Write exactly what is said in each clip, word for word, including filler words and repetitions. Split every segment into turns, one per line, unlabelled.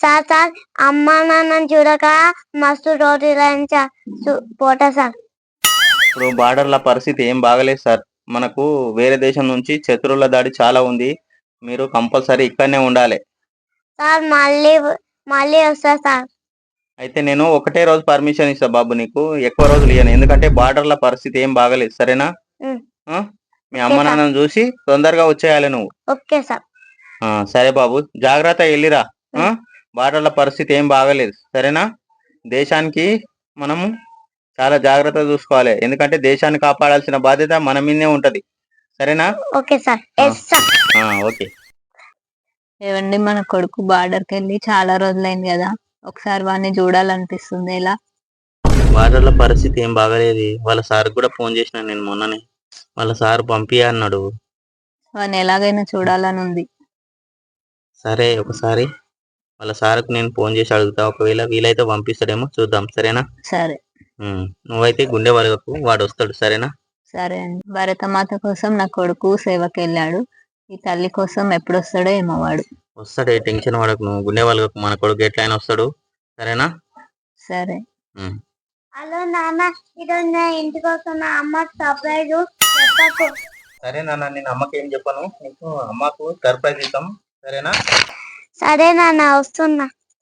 Sir sir అమ్మ నాన్నని చూడక మస్తు రోజులైంది సార్ సు- పోతా సార్.
ఇప్పుడు బార్డర్ల పరిస్థితి ఏం బాగలేదు సార్. మనకు వేరే దేశం నుంచి శత్రువుల దాడి చాలా ఉంది. మీరు కంపల్సరీ ఇక్కడనే ఉండాలి.
సార్ మళ్ళీ మళ్ళీ వస్తా సార్.
అయితే నేను ఒకటే రోజు పర్మిషన్ ఇస్తా బాబు నీకు, ఎక్కువ రోజులు ఇయ్యను. ఎందుకంటే బార్డర్ల పరిస్థితి ఏం బాగలేదు, సరేనా?
ఉమ్,
ఆ? మీ
ఓకే
అమ్మ
సార్.
నాన్నని చూసి తొందరగా వచ్చేయాలి నువ్వు.
Okay sir.
ఆ, సరే బాబు, జాగ్రత్త వెళ్ళిరా. ఆ?
ఉమ్,
బార్డర్ల పరిస్థితి ఏం బాగలేదు, సరేనా? దేశానికి మనము చాలా జాగ్రత్తగా చూసుకోవాలి. ఎందుకంటే దేశాన్ని కాపాడాల్సిన బాధ్యత మన మీదే ఉంటది, సరేనా?
Okay sir.
ఆ,
ఎస్ సార్.
ఆ, ఓకే.
ఏవండి, మన కొడుకు బార్డర్కి వెళ్ళి చాలా రోజులైంది కదా, ఒకసారి వాడిని చూడాలనిపిస్తుంది. ఎలా?
బార్డర్ల పరిస్థితి ఏం బాగలేదు. వాళ్ళ సార్ కూడా ఫోన్ చేసిన నేను మొన్ననే. వాళ్ళ సార్ పంపి అన్నాడు.
వాడిని ఎలాగైనా చూడాలని ఉంది.
సరే, ఒకసారి వాళ్ళ సార్కు నేను ఫోన్ చేసి అడుగుతా. ఒకవేళ వీలైతే పంపిస్తాడేమో, చూద్దాం, సరేనా?
సరే.
ఉమ్, నువ్వైతే గుండె వరకు వాడు వస్తాడు, సరేనా?
సరే అండి. భరతమాత కోసం నా కొడుకు సేవకి వెళ్ళాడు. ఈ తల్లి కోసం ఎప్పుడు వస్తాడో ఏమో వాడు.
వస్తాడే, టెన్షన్ పడకు నువ్వు. గుండె వాళ్ళకు మన కొడుకు ఎట్లయినా వస్తాడు, సరేనా?
సరే.
ఉమ్.
హలో నాన్న, ఈరోజు నా ఇంటికి వస్తున్న అమ్మ సర్ప్రైజ్ చెప్పకు.
సరే నాన్న, నేను అమ్మకి ఏం చెప్పను. నీకు అమ్మకు సర్ప్రైజ్ ఇస్తాం, సరేనా?
సరే నాన్న, వస్తున్నా.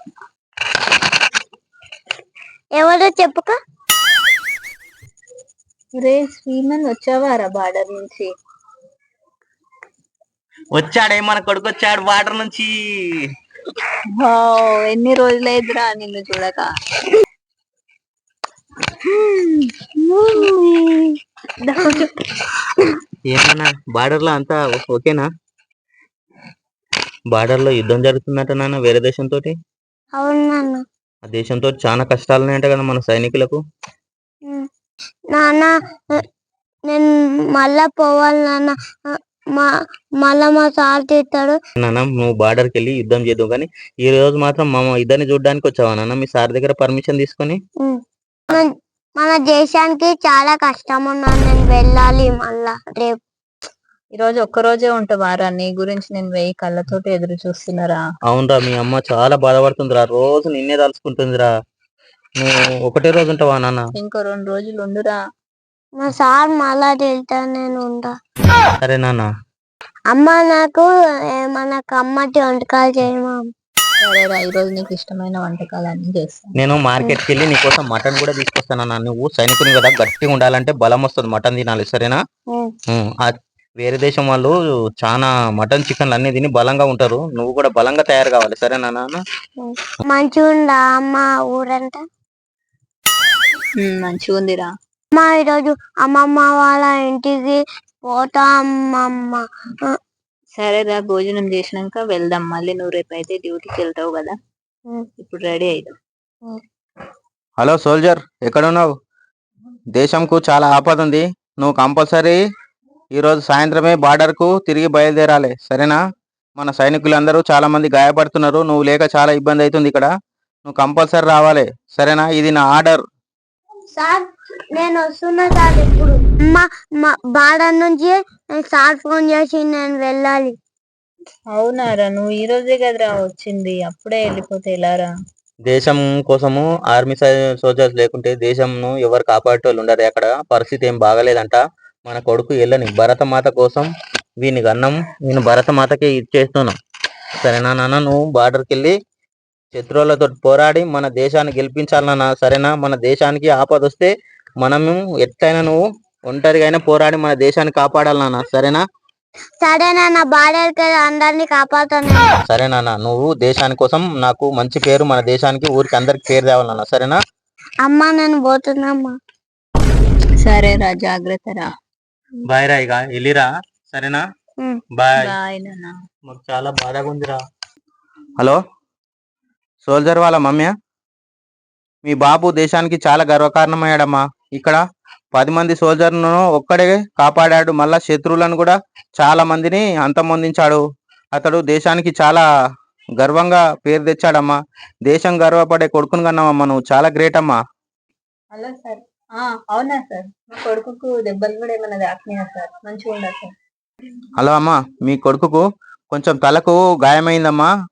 ఎవరో చెప్పుక.
రే శ్రీమన్, వచ్చావారా బార్డర్ నుంచి?
వచ్చాడే, మన కొడుకు వచ్చాడు బార్డర్ నుంచి.
వావ్, ఎన్ని రోజులైందిరా నిన్ను చూడక.
ఏమన్నా బార్డర్ లో అంతా ఓకేనా? బార్డర్ లో యుద్ధం జరుగుతుందట నాన్న, వేరే దేశంతో.
అవును నాన్న.
ఆ దేశంతో చాలా కష్టాలు ఉన్నాయంట కదా మన సైనికులకు.
ఉమ్, నాన్న నేను మళ్ళా పోవాలి నాన్న. మా మళ్ళా మా సార్ తిట్టాడు.
నాన్న, నువ్వు బార్డర్కి వెళ్ళి యుద్ధం చేద్దాం, కానీ ఈ రోజు మాత్రం మా ఇద్దరిని చూడడానికి వచ్చావా నాన్న, మీ సార్ దగ్గర పర్మిషన్ తీసుకొని?
ఉమ్, మన- మన దేశానికి చాలా కష్టం ఉన్నాను, నేను వెళ్ళాలి మళ్ళా రేపు.
ఈ రోజు ఒక్క రోజే ఉంటావారా? నీ గురించి నేను వెయ్యి కళ్ళతోటి ఎదురు చూస్తున్నారా.
అవునరా, మీ అమ్మ చాలా బాధపడుతుందిరా, రోజు నిన్నే తలుచుకుంటుందిరా. నువ్వు ఒకటే రోజు ఉంటావా నాన్న?
ఇంకో రెండు రోజులు ఉండురా.
మా సార్ మళ్ళా తిడతా, నేను ఉంటా.
సరే నాన్న.
అమ్మ నాకు ఏమన్నా కమ్మటి వంటకాలు చేయమా.
సరేరా, ఈ రోజు నీకు ఇష్టమైన వంటకాలు అన్ని చేస్తాను.
నేను మార్కెట్కి వెళ్ళి నీకోసం మటన్ కూడా తీసుకొస్తానన్నా. నువ్వు సైనికుని కదా, గట్టిగా ఉండాలంటే బలం వస్తుంది, మటన్ తినాలి, సరేనా?
ఉమ్,
ఉమ్, ఆ వేరే దేశం వాళ్ళు చాలా మటన్ చికెన్లు అన్ని తిని బలంగా ఉంటారు. నువ్వు కూడా బలంగా తయారు కావాలి, సరేనా నాన్న?
ఉమ్. మంచిగా ఉందా అమ్మ ఊరంతా?
మంచిగా ఉందిరా.
అమ్మ ఈరోజు అమ్మమ్మ వాళ్ళ ఇంటికి పోతా అమ్మమ్మ. ఆ,
సరేరా, భోజనం చేసినాక వెళ్దాం. మళ్ళీ నువ్వు రేపు అయితే డ్యూటీకి వెళ్తావు కదా,
ఉమ్,
ఇప్పుడు రెడీ అయిదాం.
ఉమ్.
హలో సోల్జర్, ఎక్కడ ఉన్నావు? దేశంకు చాలా ఆపద ఉంది. నువ్వు కంపల్సరీ ఈరోజు సాయంత్రమే బార్డర్కు తిరిగి బయలుదేరాలి, సరేనా? మన సైనికులందరూ చాలా మంది గాయపడుతున్నారు. నువ్వు లేక చాలా ఇబ్బంది అవుతుంది ఇక్కడ. నువ్వు కంపల్సరీ రావాలి, సరేనా? ఇది నా ఆర్డర్.
సార్ నేను వస్తున్నా సార్ ఇప్పుడు. అమ్మ మా బార్డర్ నుంచి సార్ ఫోన్ చేసి నేను వెళ్ళాలి.
అవునారా, నువ్వు ఈ రోజే కదరా వచ్చింది, అప్పుడే వెళ్ళిపోతే ఎలారా?
దేశం కోసము ఆర్మీ సోల్జర్స్ లేకుంటే దేశంను ఎవరు కాపాడేటోళ్ళు ఉండరు. అక్కడ పరిస్థితి ఏం బాగలేదంట. మన కొడుకు వెళ్ళని భరతమాత కోసం వీని అన్నం నేను భరతమాతకి ఇచ్చేస్తున్నాం, సరేనా నాన్న? నువ్వు బార్డర్కి వెళ్ళి శత్రువులతో పోరాడి మన దేశాన్ని గెలిపించాలన్నా, సరేనా? మన దేశానికి ఆపద వస్తే మనము ఎట్లయినా నువ్వు ఒంటరిగా అయినా పోరాడి మన దేశాన్ని కాపాడాలన్నా, సరేనా?
సరే నాన్న, బార్డర్ కి అందరినీ కాపాడుతాను.
సరే నాన్న, నువ్వు దేశాని కోసం నాకు మంచి పేరు, మన దేశానికి ఊరికి అందరికి పేరు తేవాలన్నా, సరేనా?
అమ్మ నేను పోతున్నామ్మా.
సరేరా, జాగ్రత్త రా.
బాయ్ రా, ఇక వెళ్ళిరా, సరేనా?
ఉమ్.
బాయ్.
బాయ్ నాన్న.
మాకు చాలా బాధగా ఉందిరా. హలో సోల్జర్ వాళ్ళ మమ్మీ, మీ బాబు దేశానికి చాలా గర్వకారణమయ్యాడమ్మా. ఇక్కడ పది మంది సోల్జర్ను ఒక్కడే కాపాడాడు, మళ్ళా శత్రువులను కూడా చాలా మందిని అంతమొందించాడు. అతడు దేశానికి చాలా గర్వంగా పేరు తెచ్చాడమ్మా. దేశం గర్వపడే కొడుకుని కన్నావమ్మా, నువ్వు చాలా గ్రేట్ అమ్మా.
Hello sir. ఆ, అవునా సార్, మా కొడుకుకు దెబ్బలు కూడా ఏమైనా తాకినాయా సార్? మంచిగా ఉందా సార్?
హలో అమ్మా, మీ కొడుకుకు కొంచెం తలకు గాయమైందమ్మా.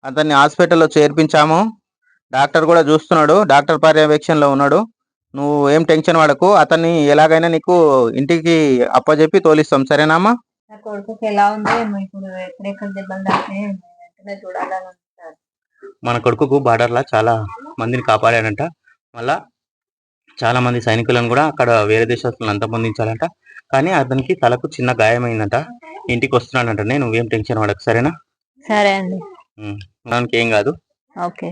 అతన్ని హాస్పిటల్లో చేర్పించాము. డాక్టర్ కూడా చూస్తున్నాడు, డాక్టర్ పర్యవేక్షణలో ఉన్నాడు. నువ్వు ఏం టెన్షన్ పడకు, అతన్ని ఎలాగైనా నీకు ఇంటికి అప్పచెప్పి తోలిస్తాం, సరేనామ్మా?
నా కొడుకుకి ఎలా ఉందో ఏమో ఇప్పుడు ఎక్కడెక్కడ దెబ్బలు తాకినాయి వెంటనే చూడాలని ఉంటారు.
మన కొడుకుకు బార్డర్లా చాలా మందిని కాపాడాడంట. మళ్ళా చాలా మంది సైనికులను కూడా అక్కడ వేరే దేశస్తులను అంతమొందించాలంట. కానీ అతనికి తలకు చిన్న గాయమైందంట. ఇంటికి వస్తున్నాడంట. నేను నువ్వేం టెన్షన్ పడకు, సరేనా?
సరే అండి.
ఉమ్, మనకి ఏం కాదు.
ఓకే.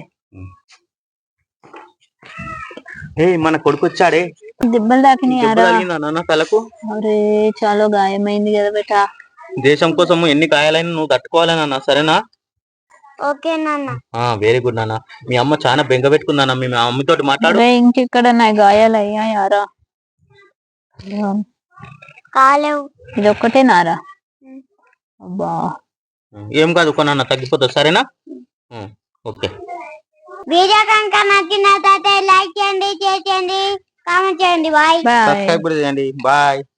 ఏ మన కొడుకు వచ్చాడే,
దెబ్బలు తాకినాయి
దెబ్బ తగిలిందా నాన్న తలకు?
అరే చాలా గాయమైంది కదా బేటా.
దేశం కోసం ఎన్ని గాయాలైనా నువ్వు తట్టుకోవాలి నాన్న, సరేనా?
ఓకే నాన్న.
వెరీ గుడ్ నాన్న. మీ అమ్మ చాలా బెంగ పెట్టుకుందాన్న. మీ అమ్మతోటి మాట్లాడు.
అరే ఇంకెక్కడ నా గాయాలు అయ్యాయారా?
కాలేవు.
ఇది ఒక్కటే నారా? అబ్బా
ఏం కాదు కొన్న తగ్గిపోతుంది, సరేనా? ఉమ్, ఓకే.
వీడియో కనుక నచ్చినట్లయితే లైక్ చేయండి, షేర్ చేయండి, కామెంట్ చేయండి. బాయ్.
బాయ్.
సబ్స్క్రైబ్ కూడా చేయండి. బాయ్.